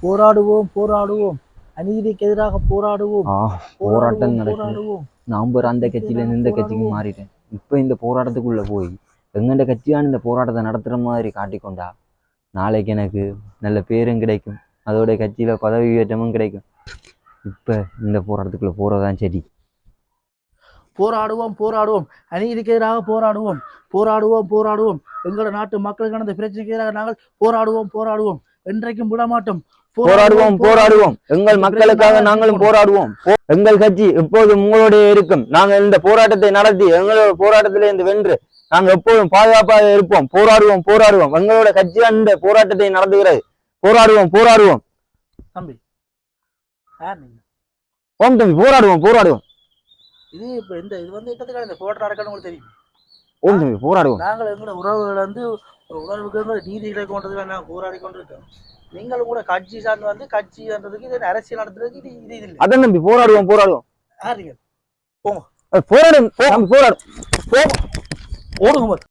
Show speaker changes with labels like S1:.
S1: போராடுவோம் போராடுவோம், அநீதிக்கு எதிராக போராடுவோம்.
S2: போராட்டம் நடக்குது.
S1: போராடுவோம்.
S2: நான் அந்த கட்சியில இருந்து இந்த கட்சிக்கு மாறிட்டேன். இப்ப இந்த போராட்டத்துக்குள்ள போய் எங்கண்ட கட்சியான இந்த போராட்டத்தை நடத்துற மாதிரி காட்டிக்கொண்டா நாளைக்கு எனக்கு நல்ல பேரும் கிடைக்கும், அதோட கட்சியில பதவி உயற்றமும் கிடைக்கும். இப்ப இந்த போராட்டத்துக்குள்ள போறதான் சரி.
S1: போராடுவோம் போராடுவோம், அநீதிக்கு எதிராக போராடுவோம். போராடுவோம் போராடுவோம், எங்களோட நாட்டு மக்களுக்கான இந்த பிரச்சனைக்கு எதிராக நாங்கள் போராடுவோம் போராடுவோம், என்றைக்கும் விடமாட்டோம்.
S2: போராடுவோம் போராடுவோம், எங்கள் மக்களுக்காக நாங்களும் போராடுவோம். எங்கள் கட்சி எப்போதும் உங்களுடைய இருக்கும். நாங்கள் இந்த போராட்டத்தை நடத்தி எங்களோட போராட்டத்திலே இருந்து வென்று நாங்கள் எப்போதும் பாதுகாப்பாக இருப்போம். போராடுவோம் போராடுவோம், எங்களோட கட்சி அந்த போராட்டத்தை நடத்துகிறது. போராடுவோம் போராடுவோம்
S1: தம்பி.
S2: ஓம் தம்பி, போராடுவோம் போராடுவோம்.
S1: இது இப்ப இது இட்டத்துக்காக இந்த போராட்டம் நடக்கணும் உங்களுக்கு தெரியும்.
S2: ஓம் தம்பி, போராடுவோம்.
S1: நாங்கள் எங்களோட உறவுகள் ஒரு உணர்வுக்கு நீதி கிடைக்கொண்டதுக்காக நாங்கள் போராடி கொண்டிருக்கோம். நீங்களும் கூட கட்சி சார்ந்து கட்சின்றதுக்கு இது அரசியல் நடத்துறதுக்கு இது இல்லை.
S2: அதான் தம்பி, போராடுவோம் போராடுவோம்.
S1: யாருங்க போங்க,
S2: போராடும் போராடும்
S1: ஓடுங்க.